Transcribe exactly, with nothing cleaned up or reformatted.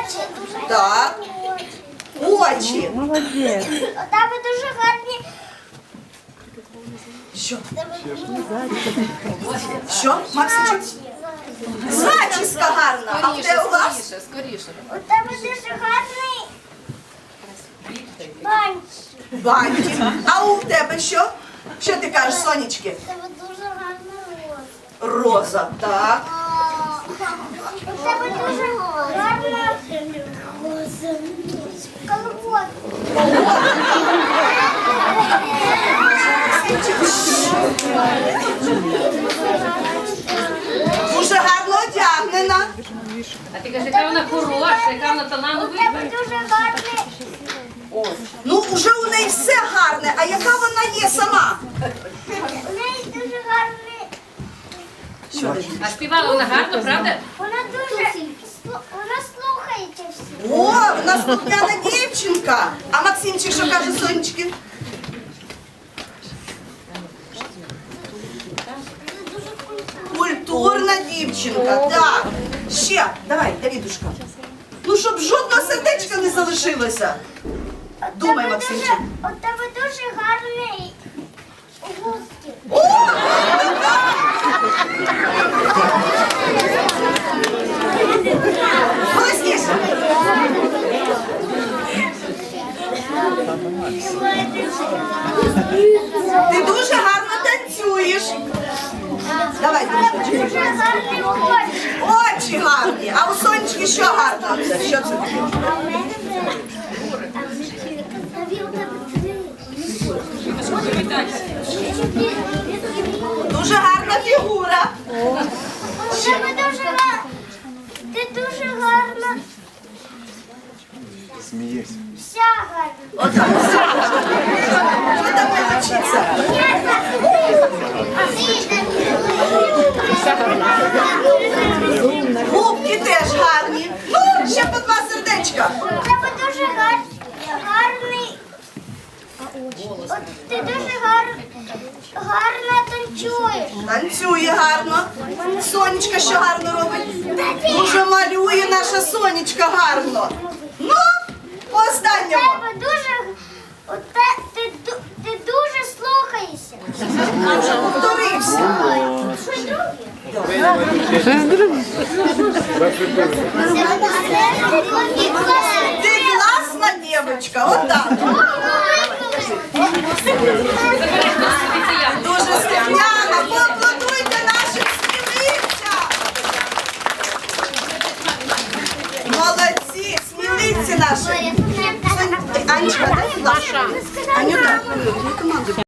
Очі. Так. Очі. Молодець. У тебе дуже гарні. Що? Що, Максичок? Зачіска гарна. А в Скоріше, тебе у вас? скоріше, скоріше. У тебе дуже гарний. Банчик. Бантик. А у тебе що? Що ти кажеш, Сонечки? У тебе дуже гарна роза. Роза. Так. У тебе дуже гарна роза. Колобок. Дуже гарно одягнена. А ти кажеш, яка вона хороша, яка вона У талановита. тебе дуже гарний. Ну, вже у неї все гарне, а яка вона є сама? У неї дуже гарний. А співала вона гарно, правда? Вона дуже. слу- Вона слухається всі. О, в нас слухняна дівчинка. А Максимчик що каже, Сонечки? Культурна дівчинка, так. Ще, давай, Давідушка. Ну, щоб жодного сердечка не залишилося. Думай, Тебе Максимчик. дуже- У тебе дуже гарний гуски. Голосніше. Ти дуже гарно танцюєш. Давай, Дімочка. Дуже гарний очі. Очі гарні. А у Сонечки що гарно? Це? Що це таке? А в мене Наві, у тебе три. Дуже гарна фігура. У тебе дуже гарна. Ти дуже гарна. Смієшся. Вся гарна. Отак. Що там не вчиться? Губки теж гарні. Ну, ще по два сердечка. У тебе дуже гар... гарний. От ти дуже гар... гарно танцюєш. Танцює гарно. Сонечка що гарно робить? Дуже малює наша Сонечка гарно. Ну, по У останньому. тебе дуже. У те... ти, ду- ти дуже слухаєшся. Вже повторився. Що друге? Ти класна дівчинка, отак. Дуже слухняна. Поаплодуйте нашим сміливцям. Молодці, сміливці наші. Сонь- Анечка, дай, будь ласка. Анюта, команду.